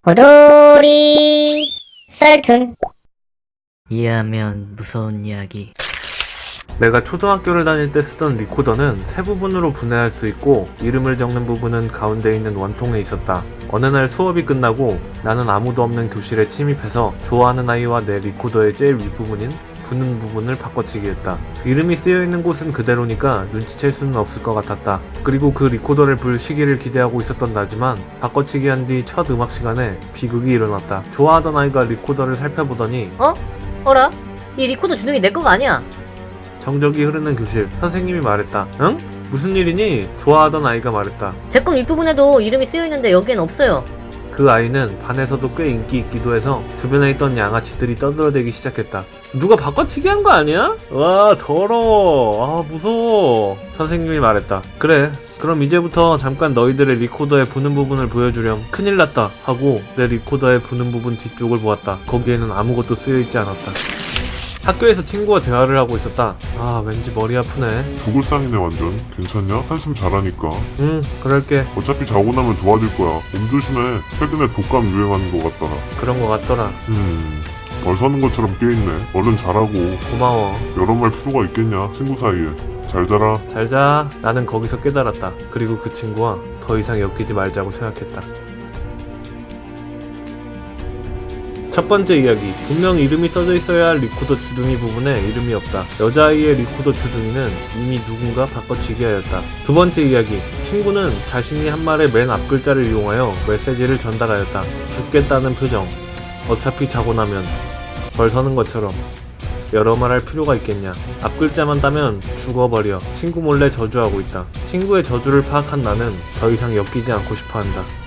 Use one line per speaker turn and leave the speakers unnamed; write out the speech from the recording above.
고돌이 썰툰.
이해하면 무서운 이야기.
내가 초등학교를 다닐 때 쓰던 리코더는 세 부분으로 분해할 수 있고 이름을 적는 부분은 가운데 있는 원통에 있었다. 어느 날 수업이 끝나고 나는 아무도 없는 교실에 침입해서 좋아하는 아이와 내 리코더의 제일 윗부분인 부는 부분을 바꿔치기 했다. 이름이 쓰여있는 곳은 그대로니까 눈치챌 수는 없을 것 같았다. 그리고 그 리코더를 불 시기를 기대하고 있었던 나지만 바꿔치기 한 뒤 첫 음악 시간에 비극이 일어났다. 좋아하던 아이가 리코더를 살펴보더니
어라? 이 리코더 주둥이 내 거가 아니야.
정적이 흐르는 교실. 선생님이 말했다. 응? 무슨 일이니? 좋아하던 아이가 말했다.
제 건 윗부분에도 이름이 쓰여있는데 여기엔 없어요.
그 아이는 반에서도 꽤 인기 있기도 해서 주변에 있던 양아치들이 떠들어대기 시작했다. 누가 바꿔치기 한 거 아니야? 와, 더러워. 아, 무서워. 선생님이 말했다. 그래, 그럼 이제부터 잠깐 너희들의 리코더의 부는 부분을 보여주렴. 큰일 났다 하고 내 리코더의 부는 부분 뒤쪽을 보았다. 거기에는 아무것도 쓰여있지 않았다. 학교에서 친구와 대화를 하고 있었다. 아, 왠지 머리 아프네.
죽을 상이네 완전. 괜찮냐? 한숨 잘하니까.
그럴게.
어차피 자고 나면 좋아질 거야. 몸 조심해. 최근에 독감 유행하는 것 같더라.
그런 거 같더라.
벌 서는 것처럼 깨있네. 얼른 자라고.
고마워.
여러 말 필요가 있겠냐? 친구 사이에. 잘 자라.
잘 자. 나는 거기서 깨달았다. 그리고 그 친구와 더 이상 엮이지 말자고 생각했다. 첫 번째 이야기. 분명 이름이 써져 있어야 할 리코더 주둥이 부분에 이름이 없다. 여자아이의 리코더 주둥이는 이미 누군가 바꿔치기 하였다. 두 번째 이야기. 친구는 자신이 한 말의 맨 앞글자를 이용하여 메시지를 전달하였다. 죽겠다는 표정. 어차피 자고 나면 벌 서는 것처럼. 여러 말 할 필요가 있겠냐. 앞글자만 따면 죽어버려. 친구 몰래 저주하고 있다. 친구의 저주를 파악한 나는 더 이상 엮이지 않고 싶어 한다.